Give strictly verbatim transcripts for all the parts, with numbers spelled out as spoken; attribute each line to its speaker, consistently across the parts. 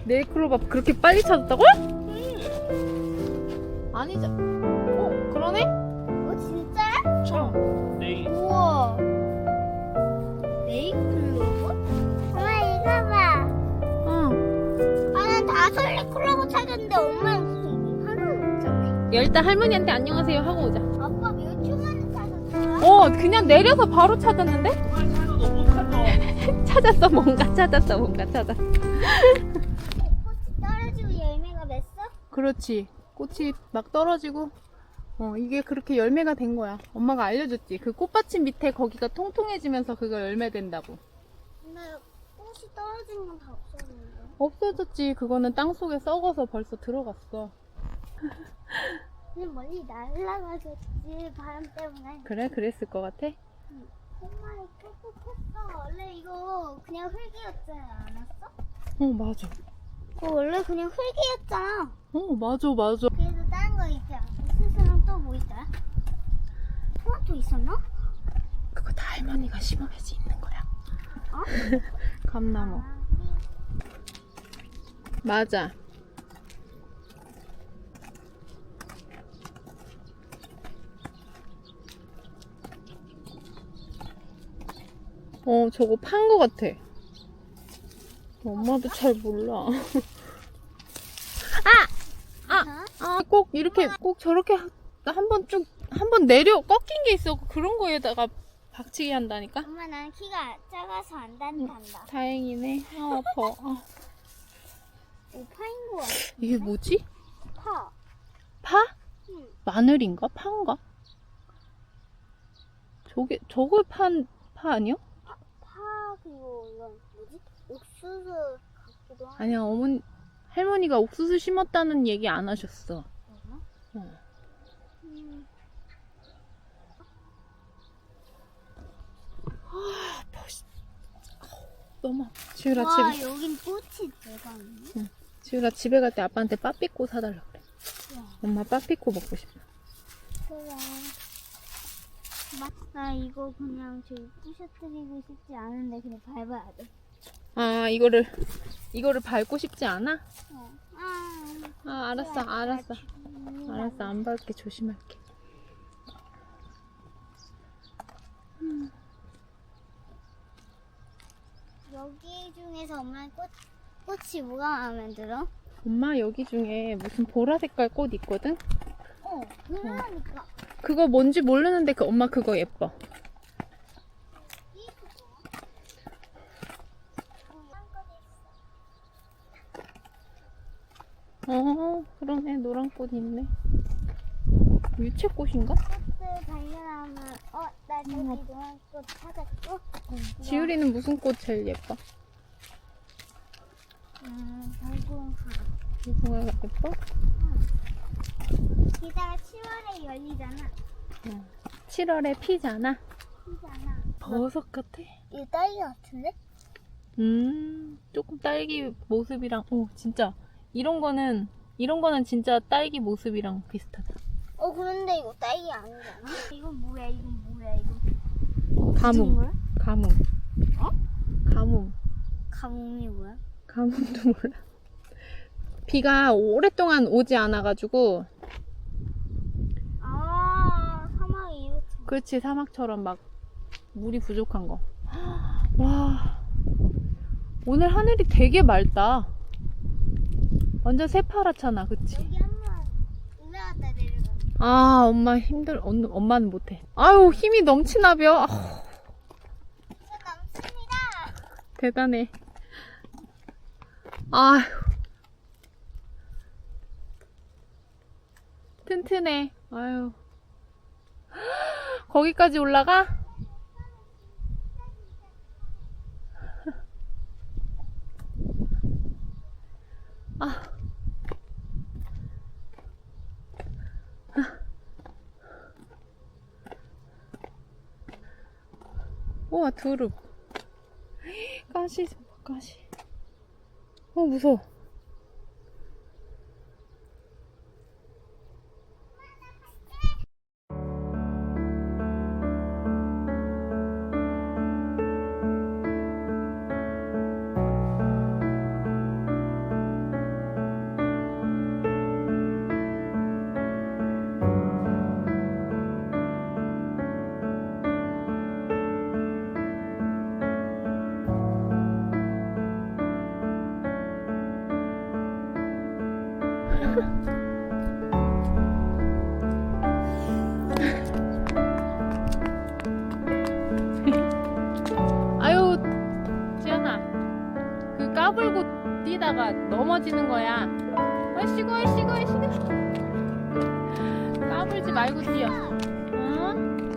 Speaker 1: 네일클로버 그렇게 빨리 찾았다고?
Speaker 2: 응.
Speaker 1: 아니죠. 어, 그러네?
Speaker 2: 어, 진짜야?
Speaker 1: 어.
Speaker 3: 네일.
Speaker 2: 우와. 네이클로버? 엄마, 이거 봐.
Speaker 1: 응.
Speaker 2: 아, 난 다솔리 클로버 찾았는데 엄마는 무슨 하나는 없잖아.
Speaker 1: 일단 할머니한테 안녕하세요 하고 오자.
Speaker 2: 아빠 몇 초 만에 찾았어?
Speaker 1: 어, 그냥 내려서 바로 찾았는데?
Speaker 3: 정말 차이가 너무 커서.
Speaker 1: 찾았어, 뭔가 찾았어, 뭔가 찾았어.
Speaker 2: 꽃이 떨어지고 열매가 맺어?
Speaker 1: 그렇지. 꽃이 막 떨어지고, 어, 이게 그렇게 열매가 된 거야. 엄마가 알려줬지. 그 꽃받침 밑에 거기가 통통해지면서 그거 열매 된다고.
Speaker 2: 근데 꽃이 떨어진 건 다 없었는데.
Speaker 1: 없어졌지. 그거는 땅 속에 썩어서 벌써 들어갔어.
Speaker 2: 그냥 멀리 날아가겠지, 바람 때문에.
Speaker 1: 그래? 그랬을 것 같아?
Speaker 2: 엄마, 이거 컸어. 원래 이거 그냥 흙이었지 않았어?
Speaker 1: 어, 맞아.
Speaker 2: 어, 원래 그냥 흙이었잖아.
Speaker 1: 어, 맞아, 맞아.
Speaker 2: 그래도 다른 거 있지 않고 스스로 또 뭐 있더라? 토마토 있었나?
Speaker 1: 그거 다 할머니가 심어야지 있는 거야.
Speaker 2: 어?
Speaker 1: 감나무.
Speaker 2: 아, 우리
Speaker 1: 맞아. 어, 저거 판 거 같아. 엄마도 잘 몰라. 아! 아! 아, 꼭 이렇게, 꼭 저렇게 한 번 쭉, 한 번 내려, 꺾인 게 있어. 그런 거에다가 박치기 한다니까?
Speaker 2: 엄마, 난 키가 작아서 안 다닌단다.
Speaker 1: 다행이네. 아, 아파. 아.
Speaker 2: 오, 파인 거 같아.
Speaker 1: 이게 뭐지?
Speaker 2: 파.
Speaker 1: 파?
Speaker 2: 응.
Speaker 1: 마늘인가? 파인가? 저게, 저걸 판, 파 아니야?
Speaker 2: 파, 그리고 이건 뭐지? 옥수수 같기도 하고.
Speaker 1: 아니야, 어머니, 할머니가 옥수수 심었다는 얘기 안 하셨어.
Speaker 2: 그러나?
Speaker 1: 어.
Speaker 2: 음.
Speaker 1: 너무 아파. 지우라,
Speaker 2: 와,
Speaker 1: 집에,
Speaker 2: 여긴 꽃이 대박이네.
Speaker 1: 지우라 집에 갈 때 아빠한테 빠삐꼬 사달라 그래.
Speaker 2: 와,
Speaker 1: 엄마 빠삐꼬 먹고 싶어.
Speaker 2: 그래. 마- 나 이거 그냥 저기 부셔뜨리고 싶지 않은데 그냥 밟아야 돼.
Speaker 1: 아, 이거를, 이거를 밟고 싶지 않아?
Speaker 2: 어. 아,
Speaker 1: 아, 알았어, 알았어.
Speaker 2: 음,
Speaker 1: 알았어, 안 밟게 조심할게.
Speaker 2: 여기 중에서 엄마 꽃, 꽃이 뭐가 마음에 들어?
Speaker 1: 엄마 여기 중에 무슨 보라 색깔 꽃 있거든?
Speaker 2: 어, 그러니까.
Speaker 1: 그거 뭔지 모르는데 그 엄마 그거 예뻐.
Speaker 2: 이 그거. 어, 딴 거도 있어.
Speaker 1: 어, 그러네. 노란 꽃 있네. 유채꽃인가?
Speaker 2: 꽃을 발견하면, 어, 나 저기
Speaker 1: 음.
Speaker 2: 노란 꽃 찾았고.
Speaker 1: 지율이는 무슨 꽃 제일 예뻐?
Speaker 2: 음, 달고나.
Speaker 1: 무궁화가 예뻐?
Speaker 2: 게다가 칠월에 열리잖아.
Speaker 1: 칠월에 피잖아.
Speaker 2: 피잖아.
Speaker 1: 버섯 같아?
Speaker 2: 이거 딸기 같은데?
Speaker 1: 음, 조금 딸기 모습이랑, 오, 진짜. 이런 거는, 이런 거는 진짜 딸기 모습이랑 비슷하다.
Speaker 2: 어, 그런데 이거 딸기 아니잖아. 이건 뭐야, 이건 뭐야, 이거.
Speaker 1: 가뭄.
Speaker 2: 뭐야?
Speaker 1: 가뭄.
Speaker 2: 어?
Speaker 1: 가뭄.
Speaker 2: 가뭄이 뭐야?
Speaker 1: 가뭄도 몰라. 비가 오랫동안 오지 않아가지고,
Speaker 2: 아, 사막이 이렇게.
Speaker 1: 그렇지, 사막처럼 막 물이 부족한 거. 와, 오늘 하늘이 되게 맑다. 완전 새파랗잖아, 그치?
Speaker 2: 여기 한번 올라갔다 내려가.
Speaker 1: 아, 엄마 힘들, 엄, 엄마는 못해. 아유, 힘이 넘치나벼. 아우,
Speaker 2: 저 넘습니다.
Speaker 1: 대단해. 아휴. 튼튼해. 아유. 거기까지 올라가? 아. 우와, 두릅. 가시, 가시. 어, 무서워. 아유, 지연아. 그 까불고 뛰다가 넘어지는 거야. 얼씨구, 얼씨구, 얼씨구. 까불지 말고 뛰어. 어?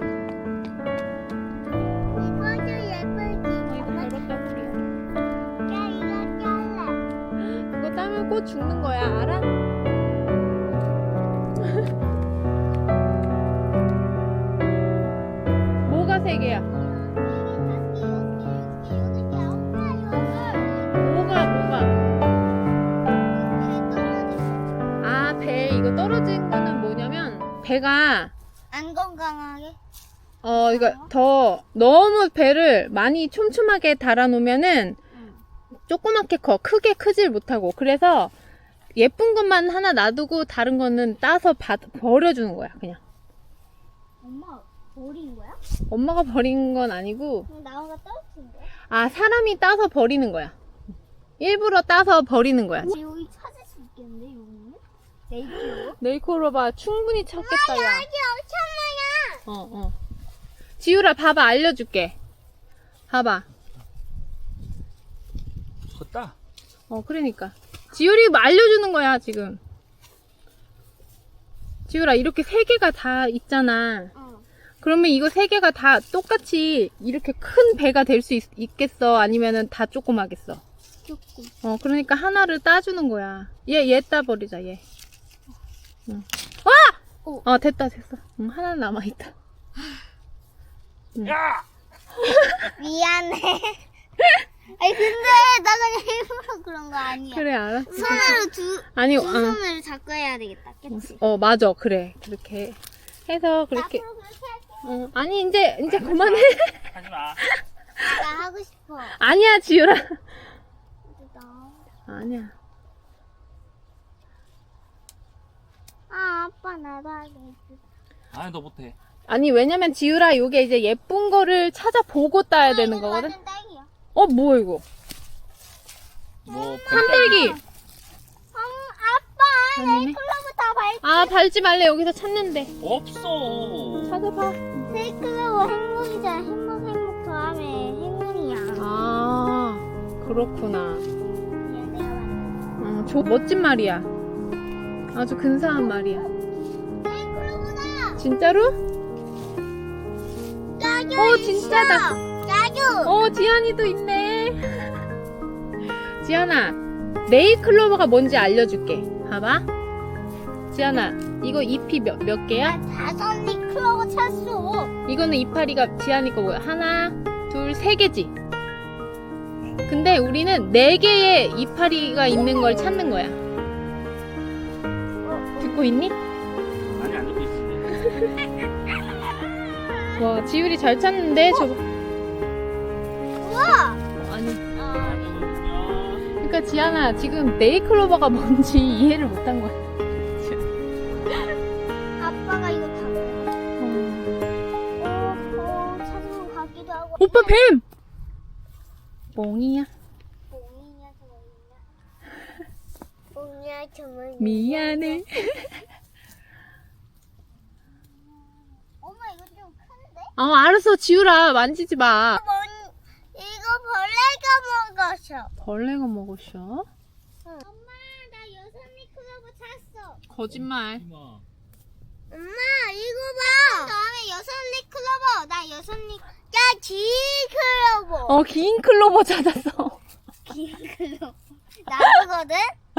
Speaker 2: 이거 좀 예쁘지?
Speaker 1: 이거 더럽다, 우리.
Speaker 2: 야, 이거 잘라.
Speaker 1: 그거 따면 꼭 죽는 거야, 알아? 뭐가 세 개야? 뭐가, 뭐가? 아, 배, 이거 떨어진 거는 뭐냐면, 배가,
Speaker 2: 안 건강하게?
Speaker 1: 어, 이거 더, 너무 배를 많이 촘촘하게 달아놓으면은,
Speaker 2: 응.
Speaker 1: 조그맣게 커. 크게 크질 못하고. 그래서, 예쁜 것만 하나 놔두고, 다른 거는 따서 받, 버려주는 거야, 그냥.
Speaker 2: 엄마 버린 거야?
Speaker 1: 엄마가 버린 건 아니고,
Speaker 2: 그럼 나무가 떨어진 거야?
Speaker 1: 아, 사람이 따서 버리는 거야. 일부러 따서 버리는 거야.
Speaker 2: 우리 여기 찾을 수 있겠는데, 여기는? 네이키로?
Speaker 1: 네이코로바 충분히 찾겠다, 야.
Speaker 2: 여기 엄청 많아!
Speaker 1: 어, 어. 지우라, 봐봐, 알려줄게. 봐봐.
Speaker 3: 컸다.
Speaker 1: 어, 그러니까. 지우리 알려주는 거야, 지금. 지우라, 이렇게 세 개가 다 있잖아.
Speaker 2: 어.
Speaker 1: 그러면 이거 세 개가 다 똑같이 이렇게 큰 배가 될 수 있겠어? 아니면은 다 조그마겠어?
Speaker 2: 조금.
Speaker 1: 어, 그러니까 하나를 따주는 거야. 얘, 얘 따버리자, 얘. 응. 와!
Speaker 2: 오.
Speaker 1: 어, 됐다, 됐어. 응, 하나 남아있다.
Speaker 3: 야!
Speaker 2: 미안해. 아니, 근데 나 그냥 일부러 그런 거 아니야.
Speaker 1: 그래, 알았어.
Speaker 2: 손으로 두,
Speaker 1: 아니,
Speaker 2: 두
Speaker 1: 어,
Speaker 2: 손으로 잡고 해야 되겠다. 그치?
Speaker 1: 어, 맞아. 그래. 그렇게 해서 그렇게.
Speaker 2: 앞으로 그렇게 할게.
Speaker 1: 어, 아니, 이제, 이제 그만해.
Speaker 3: 하지 마.
Speaker 2: 나 하고 싶어.
Speaker 1: 아니야, 지우라.
Speaker 2: 나.
Speaker 1: 아니야.
Speaker 2: 아, 아빠 나도 하겠어.
Speaker 3: 아니 너 못해.
Speaker 1: 아니, 왜냐면 지우라, 요게 이제 예쁜 거를 찾아보고 따야 되는
Speaker 2: 이거
Speaker 1: 거거든?
Speaker 2: 완전 딸기야.
Speaker 1: 어, 뭐야, 이거?
Speaker 3: 뭐
Speaker 1: 산딸기.
Speaker 2: 음, 아빠,
Speaker 1: 아니네.
Speaker 2: 네이클로브 다 밟.
Speaker 1: 아, 밟지 말래. 여기서 찾는데.
Speaker 3: 없어.
Speaker 1: 찾아봐.
Speaker 2: 네이클로브 행복이잖아. 행복, 행복 더하면 행운이야.
Speaker 1: 아, 그렇구나.
Speaker 2: 미안, 내가 만든
Speaker 1: 어, 저 멋진 말이야. 아주 근사한 말이야.
Speaker 2: 네이클로브다.
Speaker 1: 진짜로?
Speaker 2: 짜규
Speaker 1: 어,
Speaker 2: 있어.
Speaker 1: 진짜다.
Speaker 2: 짜규.
Speaker 1: 어, 지연이도 있네. 지연아, 네이클로버가 뭔지 알려줄게. 봐봐. 지연아, 이거 잎이 몇, 몇 개야?
Speaker 2: 다섯 네이클로브 찾았어.
Speaker 1: 이거는 이파리가 지연이 거 뭐야? 하나, 둘, 세 개지? 근데 우리는 네 개의 이파리가 있는 걸 찾는 거야. 듣고 있니?
Speaker 3: 아니 안 듣고 있어.
Speaker 1: 와, 지율이 잘 찾는데? 저거.
Speaker 2: 우와.
Speaker 1: 어, 아니.
Speaker 3: 아니거든요.
Speaker 1: 그러니까 지연아, 지금 네이클로버가 뭔지 이해를 못한 거야.
Speaker 2: 아빠가 이거 다 먹어.
Speaker 1: 어.
Speaker 2: 어, 어, 찾으러 가기도 하고.
Speaker 1: 오빠 뱀! 뽕이야.
Speaker 2: 뽕이냐 저거냐. 뽕이야 저거냐.
Speaker 1: 미안해.
Speaker 2: 엄마 이거 좀 큰데?
Speaker 1: 어, 알았어. 지우라, 만지지 마.
Speaker 2: 뭔 이거 벌레가 먹었어.
Speaker 1: 벌레가 먹었어?
Speaker 2: 응. 엄마 나 여섯 미크로브 찾았어.
Speaker 1: 거짓말.
Speaker 3: 엄마.
Speaker 2: 엄마 이거 봐. 다음에 여섯 미크로브. 나 여섯 미. 야 기크로브.
Speaker 1: 어, 긴 클로버 찾았어.
Speaker 2: 기크로브. 나거든.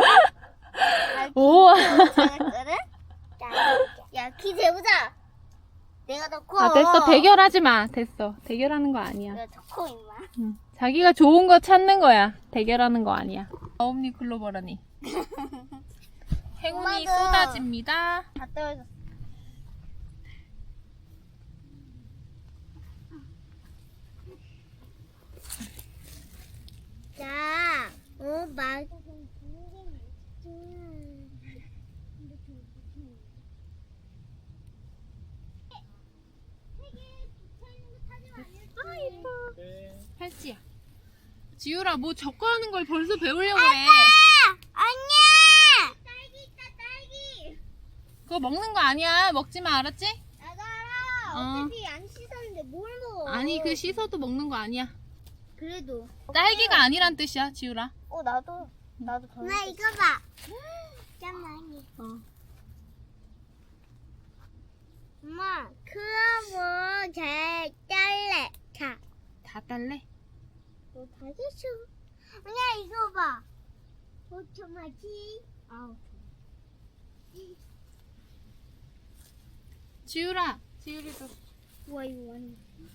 Speaker 1: 우와.
Speaker 2: 찾았거든. 야키 재보자. 내가 더 커.
Speaker 1: 아, 됐어. 대결하지 마. 됐어. 대결하는 거 아니야.
Speaker 2: 내가 더 커 임마.
Speaker 1: 응. 자기가 좋은 거 찾는 거야. 대결하는 거 아니야. 어음니 클로버라니. 행운이
Speaker 2: 엄마도.
Speaker 1: 쏟아집니다.
Speaker 2: 다 떨어졌어. 자, 어, 말.
Speaker 1: 아, 예뻐.
Speaker 3: 네.
Speaker 1: 팔찌야. 지우라, 뭐 적어하는 걸 벌써 배우려고 그래.
Speaker 2: 언니! 딸기 있다, 딸기.
Speaker 1: 먹는 거 아니야. 먹지 마, 알았지?
Speaker 2: 나도 알아.
Speaker 1: 어.
Speaker 2: 어차피 안 씻었는데 뭘 먹어?
Speaker 1: 아니, 그 씻어도 먹는 거 아니야.
Speaker 2: 그래도.
Speaker 1: 딸기가 아니란 뜻이야, 지우라.
Speaker 2: 어 나도 나도. 엄마 이거 봐. 잠깐만.
Speaker 1: 어.
Speaker 2: 엄마 그럼 잘 딸래. 자.
Speaker 1: 다 딸래?
Speaker 2: 너 다시 줘. 언니야 이거 봐. 오토마지. 아우.
Speaker 1: 지우라, 지우리도.
Speaker 2: 우와 이거 완전.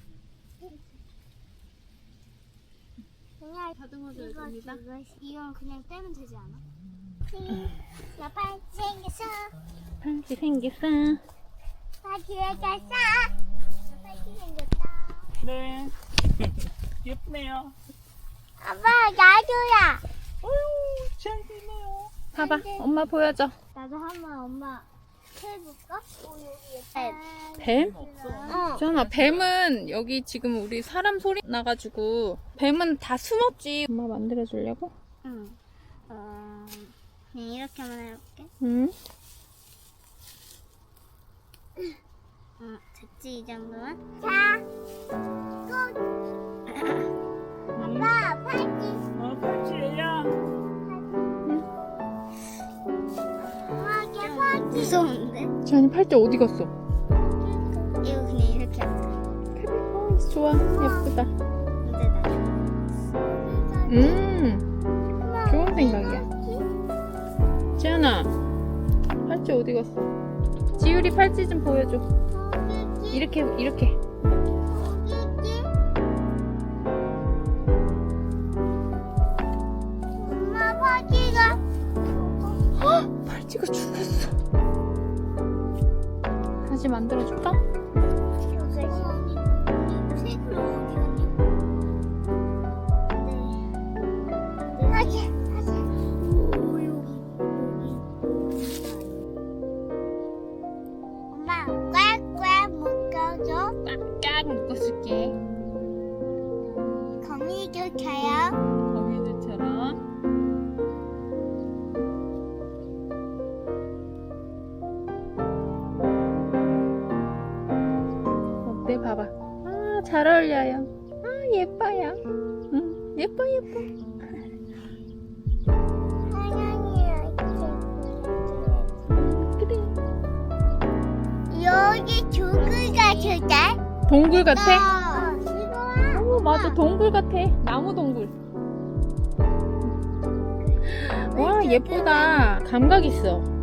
Speaker 2: 언니야
Speaker 1: 다듬어 줘야
Speaker 2: 이거
Speaker 1: 됩니다.
Speaker 2: 이거 이건 그냥 떼면 되지 않아? 나 팔찌 생겼어.
Speaker 1: 팔찌 생겼어.
Speaker 2: 팔찌 생겼어. 나 팔찌 생겼다.
Speaker 3: 네. 예쁘네요.
Speaker 2: 아빠 나도야.
Speaker 3: 어휴, 잘 됐네요.
Speaker 1: 봐봐, 엄마 보여줘.
Speaker 2: 나도 한번 엄마 해볼까? 오 여기
Speaker 1: 뱀?
Speaker 2: 어.
Speaker 1: 지현아, 뱀은 여기 지금 우리 사람 소리 나가지고 뱀은 다 숨었지. 엄마 만들어주려고?
Speaker 2: 응. 어, 그냥 이렇게만 해볼게.
Speaker 1: 응.
Speaker 2: 어, 됐지 이 정도면? 자, 꼭. 아빠 팔찌.
Speaker 3: 어, 팔찌야.
Speaker 2: 엄마 이게 팔찌. 무서운데?
Speaker 1: 지현이 팔찌 어디 갔어?
Speaker 2: 이거 그냥 이렇게 할게.
Speaker 1: 어, 좋아, 예쁘다.
Speaker 2: 근데 나
Speaker 1: 음, 좋은 생각이야. 지현아, 팔찌 어디 갔어? 지율이 팔찌 좀 보여줘. 이렇게, 이렇게.
Speaker 2: 엄마 팔찌가.
Speaker 1: 헉, 팔찌가 죽었어. 다시 만들어줄까?
Speaker 2: 다시 다시. 오 여기 여기. 엄마 꽉꽉 묶어줘.
Speaker 1: 깍 묶어줄게.
Speaker 2: 거미줄 쳐요.
Speaker 1: 거미줄처럼. 어때? 봐봐. 아, 잘 어울려요. 아, 예뻐요. 응, 예뻐, 예뻐.
Speaker 2: 사냥이야
Speaker 1: 그래.
Speaker 2: 여기 조글 같은데?
Speaker 1: 동굴 같아?
Speaker 2: 어, 이거
Speaker 1: 오, 맞아. 동굴 같아. 나무 동굴. 와, 예쁘다. 감각 있어.